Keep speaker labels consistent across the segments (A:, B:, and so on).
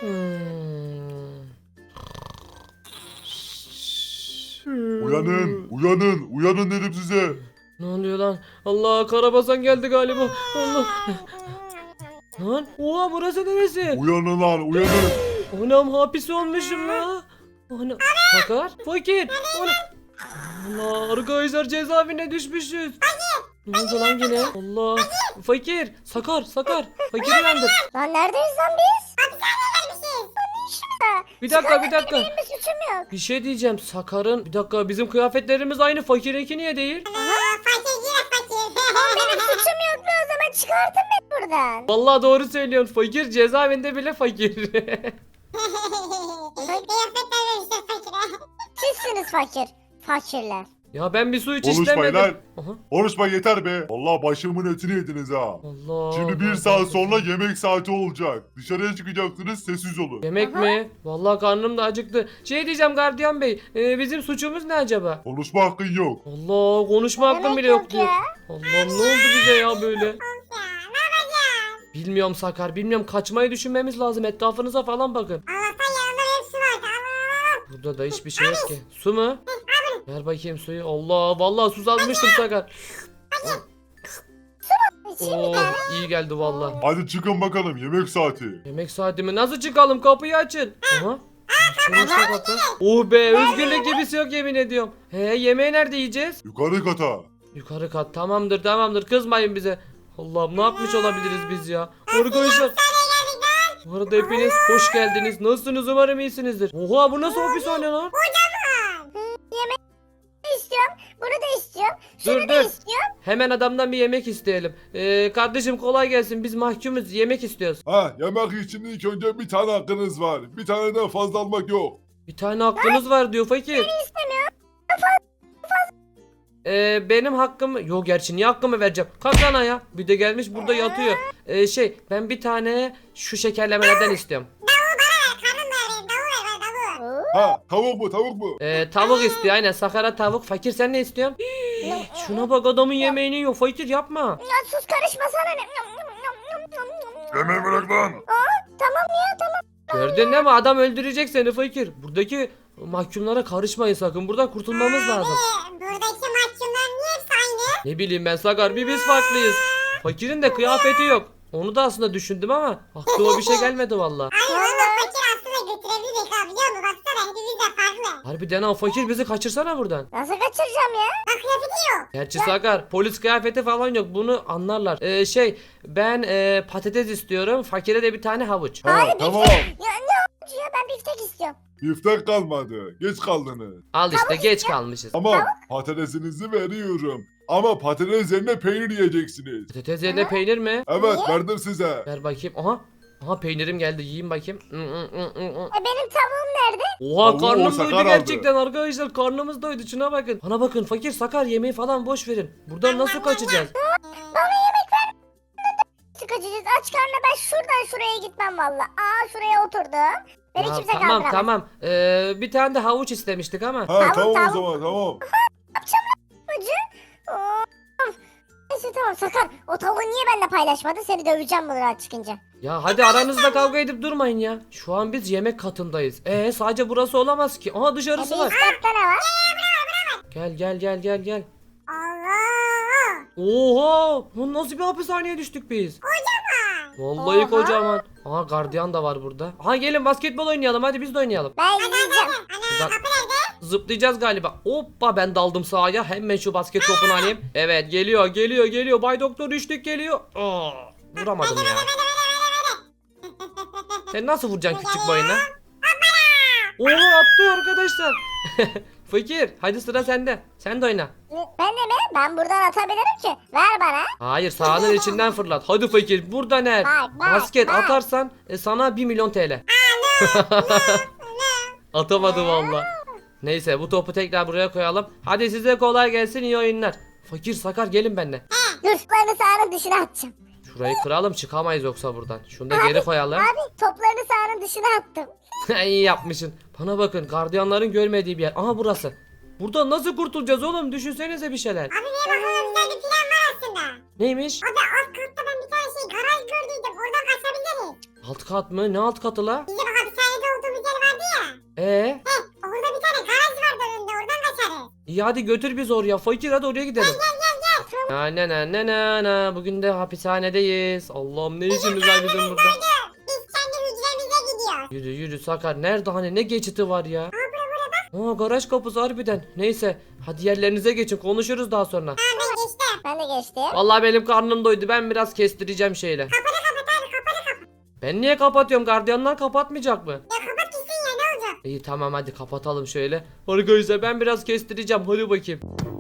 A: Uyanın, uyanın, uyanın dedim size.
B: Ne oluyor lan? Allah, Karabasan geldi galiba. Allah. Lan oha, burası neresi?
A: Uyanın lan, uyanın.
B: Anam, hapis olmuşum ya. Ana, Sakar, Fakir. Ana. Allah, arkadaşlar cezaevine düşmüşüz. Ne oldu lan yine? Allah. Fakir, Sakar. Fakir uyandır.
C: Lan neredeyiz lan biz?
B: Bir dakika.
C: Benim bir suçum yok.
B: Bir şey diyeceğim. Sakar'ın, bir dakika, bizim kıyafetlerimiz aynı. Fakir'inki niye değil?
C: Benim suçum yok mu o zaman? Çıkartın beni buradan.
B: Vallahi doğru söylüyorsun. Fakir cezaevinde bile fakir.
C: Sizsiniz fakir. Fakirler.
B: Ya ben bir su hiç
A: Konuşmayın
B: istemedim.
A: lan.
B: Aha.
A: Konuşma yeter be. Allah başımın etini yediniz ha.
B: Allah.
A: Şimdi bir saat sonra yemek saati olacak. Dışarıya çıkacaksınız, sessiz olun.
B: Yemek mi? Vallahi karnım da acıktı. Şey diyeceğim gardiyan bey. Bizim suçumuz ne acaba?
A: Konuşma hakkın yok.
B: Allah, konuşma hakkım
C: Demek
B: bile yok
C: yok
B: diyor.
C: ya.
B: Allah'ım, ne oldu bize ya böyle? Bilmiyorum Sakar, bilmiyorum, kaçmayı düşünmemiz lazım. Etrafınıza falan bakın. Burada da hiçbir şey yok ki. Su mu? Ver bakayım suyu. Allah, vallahi susamıştım Sakar.
C: İçeyim bir
B: Oh,
C: tane.
B: iyi geldi vallahi.
A: Hadi çıkın bakalım, yemek saati.
B: Yemek saati mi? Nasıl çıkalım? Kapıyı açın. Aha. Açılmıştı kapı. Oh be, özgürlük gibisi yok yemin ediyorum. Yemeği nerede yiyeceğiz?
A: Yukarı kata.
B: Yukarı kat. Tamamdır, kızmayın bize. Allah'ım, ne yapmış olabiliriz biz ya? Arkadaşlar. Bu arada hepiniz hoş geldiniz. Nasılsınız? Umarım iyisinizdir. Oha, bu nasıl hapishane lan?
C: İstiyorum. Bunu da istiyorum.
B: Dur,
C: Şunu da
B: dur.
C: istiyorum.
B: Hemen adamdan bir yemek isteyelim. Kardeşim kolay gelsin. Biz mahkumuz. Yemek istiyoruz.
A: Ha, yemek için ilk önce bir tane hakkınız var. Bir taneden fazla almak yok.
B: Bir tane hakkınız var diyor fakir.
C: İstemiyorum.
B: Benim hakkım yok, gerçi niye hakkımı vereceğim? Kalk lan ya. Bir de gelmiş burada yatıyor. Ben bir tane şu şekerlemelerden istiyorum.
A: Ha, tavuk mu, tavuk mu?
B: Tavuk istiyor aynen. Sakara tavuk. Fakir, sen ne istiyorsun? Şuna bak, adamın yemeğini yiyor. Fakir, yapma.
C: Ya sus, karışmasana.
A: Yemeği bırak lan.
C: Tamam ya, tamam.
B: Gördün değil mi? Adam öldürecek seni fakir. Buradaki mahkumlara karışmayın sakın. Buradan kurtulmamız lazım.
D: Buradaki mahkumlar niye hepsi aynı?
B: Ne bileyim ben Sakar, bir biz farklıyız. Fakirin de kıyafeti yok. Onu da aslında düşündüm ama aklıma bir şey gelmedi valla.
D: Ay oğlum fakir aslında götürebiliriz ha, biliyor musun? Baksana hepimiz de farklı.
B: Harbiden ha, fakir bizi kaçırsana buradan.
C: Nasıl kaçıracağım ya?
D: Bak kıyafeti yok.
B: Gerçi Sakar, polis kıyafeti falan yok, bunu anlarlar. Ben patates istiyorum, fakire de bir tane havuç.
A: Ha, tamam.
C: Ya ne oldu ya? Ben biftek istiyorum.
A: Biftek kalmadı. Geç kaldınız.
B: Al işte, geç kalmışız.
A: Tamam, patatesinizi veriyorum. Ama patates yerine peynir yiyeceksiniz.
B: Patates yerine peynir mi?
A: Evet, verdim size.
B: Ver bakayım. Aha peynirim geldi, yiyeyim bakayım.
C: Benim tavuğum nerede?
B: Oha,
A: Tavuğu
B: karnım
A: o Sakar
B: doydu
A: aldı.
B: gerçekten arkadaşlar, karnımız doydu, şuna bakın. Bana bakın fakir, Sakar, yemeği falan boş verin. Buradan nasıl kaçacağız?
C: Bana yemek ver. Nasıl kaçacağız? Aç karnına ben şuradan şuraya gitmem valla. Şuraya oturdum. Beni
B: Ya
C: kimse
B: tamam
C: kaldıramaz.
B: bir tane de havuç istemiştik ama.
A: Ha,
C: Tavuk,
A: tamam o
C: tavuk.
A: zaman, tamam.
C: Acı. Of. Neyse tamam Sakar. O tavuğu niye benimle paylaşmadın? Seni döveceğim buradan çıkınca.
B: Ya hadi aranızda kavga edip durmayın ya. Şu an biz yemek katındayız. Sadece burası olamaz ki. Aha, dışarısı
C: Bir
B: var.
C: üst katta ne var?
B: Gel.
D: Allah.
B: Oha! Bu nasıl bir hapishaneye düştük biz? Vallahi
C: Oha.
B: kocaman. Aha, gardiyan da var burada. Aha, gelin basketbol oynayalım, hadi biz de oynayalım.
C: Ben yiyeceğim.
B: Şuradan zıplayacağız galiba. Hoppa, ben daldım sahaya. Hemen şu basket topunu alayım. Evet, geliyor. Bay Doktor üçlük geliyor. Vuramadım ya. Sen nasıl vuracaksın küçük boyuna? Oha, attı arkadaşlar. Fakir, hadi sıra sende. Sen de oyna.
C: Ben de mi? Ben buradan atabilirim ki. Ver bana.
B: Hayır, sahanın içinden fırlat. Hadi fakir, burada ne?
C: Bak,
B: Basket
C: bak.
B: atarsan sana 1 milyon TL. Atamadı valla. Neyse, bu topu tekrar buraya koyalım. Hadi size kolay gelsin, iyi oyunlar. Fakir, Sakar, gelin benimle.
C: Dur, toplarını sahanın dışına atacağım.
B: Şurayı kıralım, çıkamayız yoksa buradan. Şunu da geri koyalım.
C: Abi toplarını sahanın dışına attım.
B: İyi yapmışsın. Bana bakın, gardiyanların görmediği bir yer. Aha, burası. Buradan nasıl kurtulacağız oğlum? Düşünsenize bir şeyler.
D: Abi niye bakalım, güzel bir plan var aslında.
B: Neymiş?
D: Abi alt katta ben bir tane garaj gördüydüm. Oradan kaçabiliriz.
B: Alt kat mı? Ne alt katı la?
D: Bize bakalım Orada bir tane garaj vardı önünde. Oradan kaçarız.
B: İyi hadi götür bizi oraya. Fakir hadi oraya gidelim. Na na na na na na. Bugün de hapishanedeyiz. Allah'ım ne işimiz var bizim burada.
D: Biz kendi hücremize gidiyoruz.
B: Yürü yürü Sakar. Nerede hani ne geçiti var ya? Aa garaj kapısı harbiden. Neyse hadi yerlerinize geçin konuşuruz daha sonra.
D: Tamam ben geçtim.
C: Ben de geçtim.
B: Vallahi benim karnım doydu. Ben biraz kestireceğim şeyle.
D: Kapat abi kapat.
B: Ben niye kapatıyorum? Gardiyanlar kapatmayacak mı?
D: Ya kapat gitsin ya ne olacak?
B: İyi tamam hadi kapatalım şöyle. Arkadaşlar ben biraz kestireceğim. Hadi bakayım.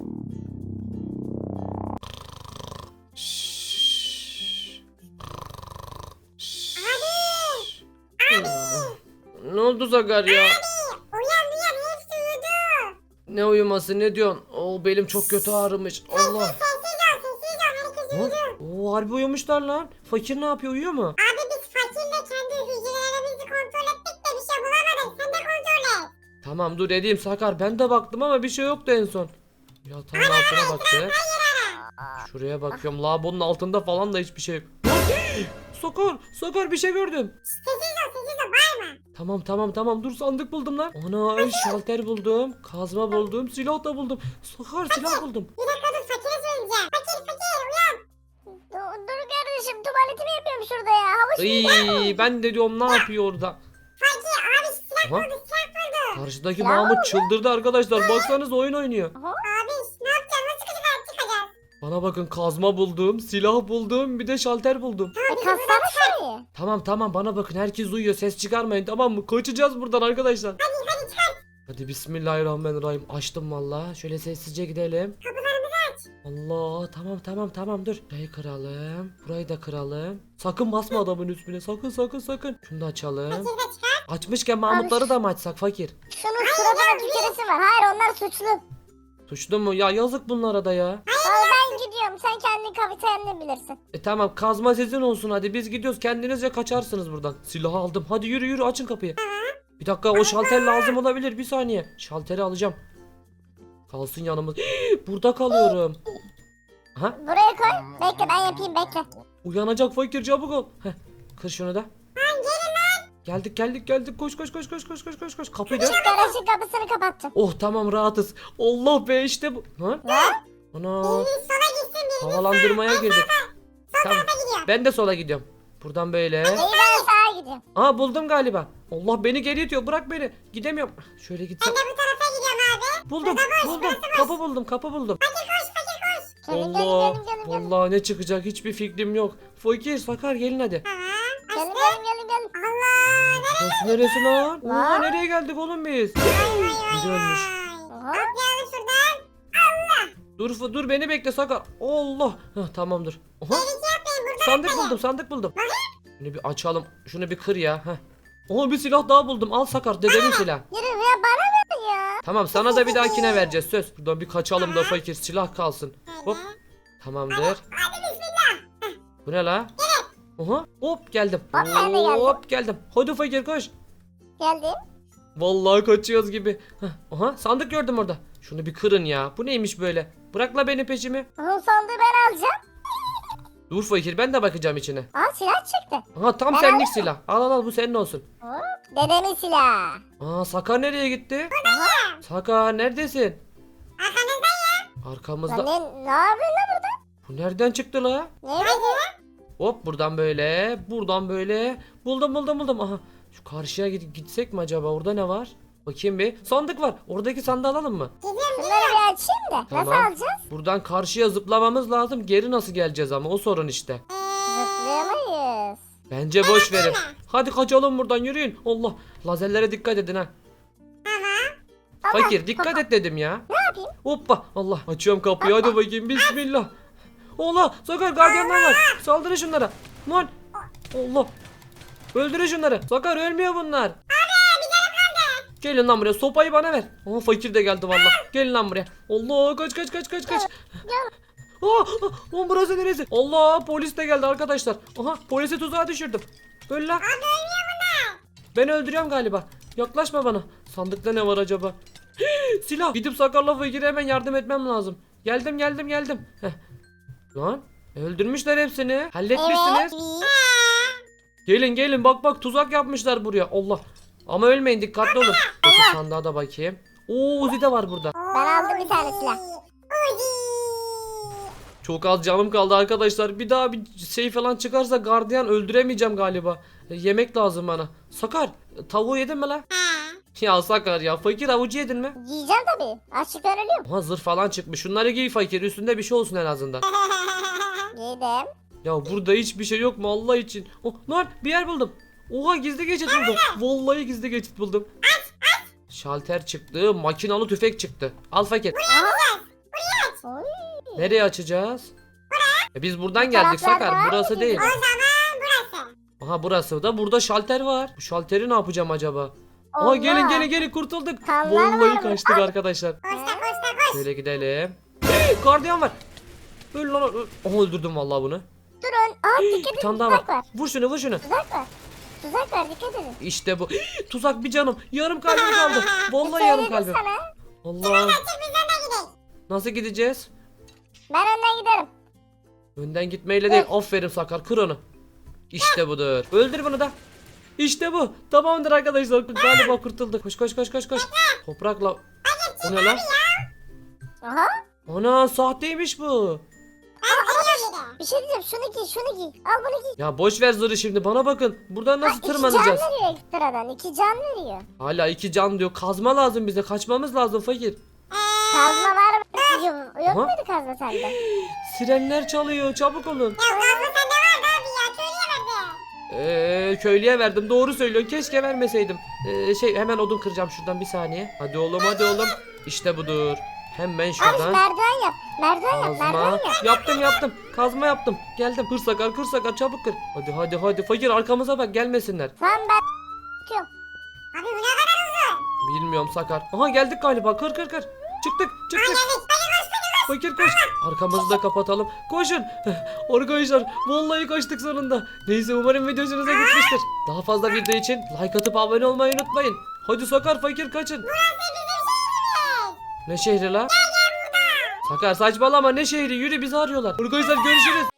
B: Ne oldu Sakar ya?
D: Uyan hepsi uyudu.
B: Ne uyuması ne diyorsun? Oo belim çok kötü ağrımış. Allah.
D: Sessiz ol herkes uyudu.
B: Oo harbi uyumuşlar lan. Fakir ne yapıyor uyuyor mu?
D: Abi biz fakirle kendi hücrelerimizi kontrol ettik de bir şey bulamadık. Sen de kontrol et.
B: Tamam dur edeyim Sakar. Ben de baktım ama bir şey yoktu en son. Yatağın altına baktık. Şuraya bakıyorum. Lavabonun altında falan da hiçbir şey yok. Sakar bir şey gördüm.
D: Sessiz ol bağırma.
B: Tamam dur sandık buldum lan. Ana şalter buldum. Kazma buldum. Silah da buldum. Sakar silah buldum.
D: Bir dakika dur fakire söyleyeceğim. Fakir uyan.
C: Dur kardeşim tuvaletimi yapıyorum şurada ya. Hava şimdi.
B: Iy, ben de diyorum ne yapıyor orada.
D: Fakir abi silah
B: Aha.
D: buldu silah buldu.
B: Karşıdaki
C: Silah
B: Mahmut çıldırdı arkadaşlar. Baksanız oyun oynuyor.
D: Abi ne yapacağız nasıl çıkacağız?
B: Bana bakın kazma buldum. Silah buldum. Bir de şalter buldum.
C: Kassana şurayı.
B: Tamam bana bakın herkes uyuyor ses çıkarmayın tamam mı? Kaçacağız buradan arkadaşlar.
D: Hadi çıkar.
B: Hadi bismillahirrahmanirrahim açtım valla şöyle sessizce gidelim.
D: Kapılarımızı aç.
B: Allah tamam dur. Burayı kıralım. Burayı da kıralım. Sakın basma adamın üstüne sakın. Şunu da açalım.
D: Fakir de çıkar.
B: Açmışken Mahmutları da mı açsak fakir?
C: Şunun suratına tüküresi var. Hayır onlar suçlu.
B: Suçlu mu? Ya yazık bunlara da ya.
C: Vallahi ben gidiyorum. Sen kendi kafeteryanı bilirsin.
B: Tamam kazma sizin olsun hadi biz gidiyoruz kendinizce kaçarsınız buradan. Silahı aldım hadi yürü açın kapıyı. Bir dakika o şalter lazım olabilir bir saniye. Şalteri alacağım. Kalsın yanımız. Burada kalıyorum. Aha
C: Buraya koy. Bekle ben yapayım bekle.
B: uyanacak fakir çabuk ol. Heh, kır şunu da. Geldik koş. Kapıyı da.
C: Garajın kapısını kapattım.
B: Oh tamam rahatız. Allah be işte bu. Ha?
C: Ne?
B: Ana
D: Biriniz sola gitsin biriniz
B: havalandırmaya girdik. Tamam
D: gidiyor.
B: ben de sola gidiyorum. Buradan böyle.
C: İyi ben sağa gidiyorum.
B: Aa buldum galiba. Allah beni geri itiyor bırak beni. Gidemiyorum. Şöyle gitsem.
D: Ben de bu tarafa gidiyorum abi.
B: Buldum. Kapı buldum.
D: Fakir koş.
C: Gelin
B: Allah.
C: gelin.
B: Vallahi ne çıkacak hiçbir fikrim yok. Fakir Sakar gelin hadi.
D: Tamam.
C: Gelin
D: Açtım.
C: gelin.
D: Allah.
B: Burası neresi lan? Oha
C: Lan.
B: nereye geldik oğlum biz? Biri ölmüş.
C: Oha.
D: Atlayalım şuradan.
B: Dur beni bekle Sakar. Allah. Heh, tamamdır. Oha.
D: Yapmayın burada.
B: Sandık buldum. Şunu bir açalım. Şunu bir kır ya. Heh. Oha bir silah daha buldum. Al Sakar dedenin silahı.
C: Yürü ya bana ver ya.
B: Tamam sana da bir dahakine vereceğiz söz. Buradan bir kaçalım da fakir silah kalsın. Hop. Tamamdır.
D: Hadi bismillah.
B: Bu ne la? Oha. Hop geldim.
C: Hop, ben de geldim.
B: Hop geldim. Hadi fakir koş.
C: Geldim.
B: Vallahi kaçıyoruz gibi. Heh, aha sandık gördüm orada. Şunu bir kırın ya. Bu neymiş böyle? Bırakla beni peşimi.
C: Onun sandığı ben alacağım.
B: Dur fakir ben de bakacağım içine.
C: Aa silah çıktı.
B: Aha tam
C: Ben
B: senlik silah. Al bu senin olsun.
C: Hop. Dedemin silahı.
B: Aa Sakar nereye gitti? Sakar neredesin?
D: Arkanızda.
B: Arkamızda.
C: Lan ne yapıyorsun lan burada?
B: Bu nereden çıktı la?
C: Ne dedi?
B: Hop buradan böyle. Buradan böyle. Buldum. Aha. Şu karşıya gitsek mi acaba? Orada ne var? Bakayım bir. Sandık var. Oradaki sandığı alalım mı?
C: Bunları bir açayım da.
B: Tamam.
C: Nasıl alacağız?
B: Buradan karşıya zıplamamız lazım. Geri nasıl geleceğiz ama o sorun işte.
C: Zıplayamayız.
B: Bence boş verin. Hadi kaçalım buradan yürüyün. Allah. Lazerlere dikkat edin ha. Fakir dikkat et dedim ya.
C: Ne yapayım?
B: Hoppa. Allah. Açıyorum kapıyı hadi bakayım. Bismillah. Allah. Sakar gardiyanlar var. Saldırın şunlara. Lan. Allah. Öldürün şunları. Sakar ölmüyor bunlar. Gelin lan buraya. Sopayı bana ver. Aa fakir de geldi valla. Gelin lan buraya. Allah kaç. Lan burası neresi? Allah polis de geldi arkadaşlar. Aha polisi tuzağa düşürdüm. Öl lan. Ben öldürüyorum galiba. Yaklaşma bana. Sandıkta ne var acaba? Silah. Gidip Sakar'la Fakir'e hemen yardım etmem lazım. Geldim. Heh. Lan öldürmüşler hepsini. Halletmişsiniz.
C: Evet.
B: Gelin bak tuzak yapmışlar buraya. Allah. Ama ölmeyin, dikkatli olun. Şu sandığa da bakayım. Oo, Uzi de var burada.
C: Ben aldım bir tane silah.
D: Uzi.
B: Çok az canım kaldı arkadaşlar. Bir daha bir şey falan çıkarsa gardiyan öldüremeyeceğim galiba. Yemek lazım bana. Sakar, tavuğu yedin mi lan?
D: Ha.
B: Ya Sakar ya, fakir havucu yedin mi?
C: Yiyeceğim tabii. Açlıktan ölüyorum.
B: Aha, zırh falan çıkmış. Şunları giy fakir, üstünde bir şey olsun en azından.
C: Yedim.
B: Ya burada hiçbir şey yok mu Allah için? Oh lan, bir yer buldum. Oha, gizli geçit buldum. Vallahi gizli geçit buldum. Şalter çıktı, makinalı tüfek çıktı. Al fakir.
C: Oy.
B: Nereye açacağız? Biz buradan geldik
C: taraflarda
B: Sakar.
C: var
B: Burası
C: mı
B: değil.
D: O zaman burası.
B: Aha, burası da. Burada şalter var. Bu şalteri ne yapacağım acaba? Aha,
C: Allah.
B: gelin kurtulduk.
C: Kanlar
B: Vallahi
C: var
B: kaçtık arkadaşlar.
D: Koşta koş.
B: Şöyle gidelim. Gardiyan var. Öl lan. Aha, öldürdüm vallahi bunu.
C: Durun. Aa dikkat
B: Bir
C: edin.
B: tane daha
C: Tuzak
B: var.
C: var.
B: Vur şunu.
C: Tuzak var. Tuzak var dikkat edin.
B: İşte bu. Tuzak bir canım. Yarım kalbim kaldı. Vallahi yarım
C: Söyledim
B: kalbim.
C: sana.
B: Allah.
D: Biz de gidelim.
B: Nasıl gideceğiz?
C: Ben önden giderim.
B: Önden gitmeyle değil. Aferin Sakar. Kır onu. İşte budur. Öldür bunu da. İşte bu. Tamamdır arkadaşlar. Galiba kurtulduk. Koş. Toprakla. O ne lan?
C: Aha.
B: Ana, sahteymiş bu.
C: Bir şey diyeceğim. Şunu giy. Al bunu giy.
B: Ya boş ver zırhı şimdi. Bana bakın. Buradan nasıl
C: İki can
B: tırmanacağız?
C: veriyor ekstradan. 2 can veriyor.
B: Hala 2 can diyor. Kazma lazım bize. Kaçmamız lazım fakir.
C: Kazma var mı? Yok
B: Aha.
C: muydu kazma sende?
B: Sirenler çalıyor. Çabuk olun.
D: Ya gazlı sende vardı abi ya. Köylüye verdi.
B: Köylüye verdim. Doğru söylüyorsun. Keşke vermeseydim. Hemen odun kıracağım şuradan bir saniye. Hadi oğlum. İşte budur. Hemen
C: Abi
B: şuradan.
C: merdiven yap. Merdiven
B: Kazma.
C: yap.
B: Yaptım. Kazma yaptım. Geldim. Kır Sakar çabuk kır. Hadi. Fakir arkamıza bak, gelmesinler.
C: Tamam ben çıkıyorum.
D: Abi bu ne kadar uzun.
B: Bilmiyorum Sakar. Aha, geldik galiba. Kır. Çıktık. Fakir koş. Arkamızı da kapatalım. Koşun. Arkadaşlar vallahi kaçtık sonunda. Neyse, umarım video hoşunuza gitmiştir. Daha fazla video için like atıp abone olmayı unutmayın. Hadi Sakar, fakir kaçın. Ne şehri la? Sakar saçmalama, ne şehri, yürü, bizi arıyorlar. Arkadaşlar görüşürüz.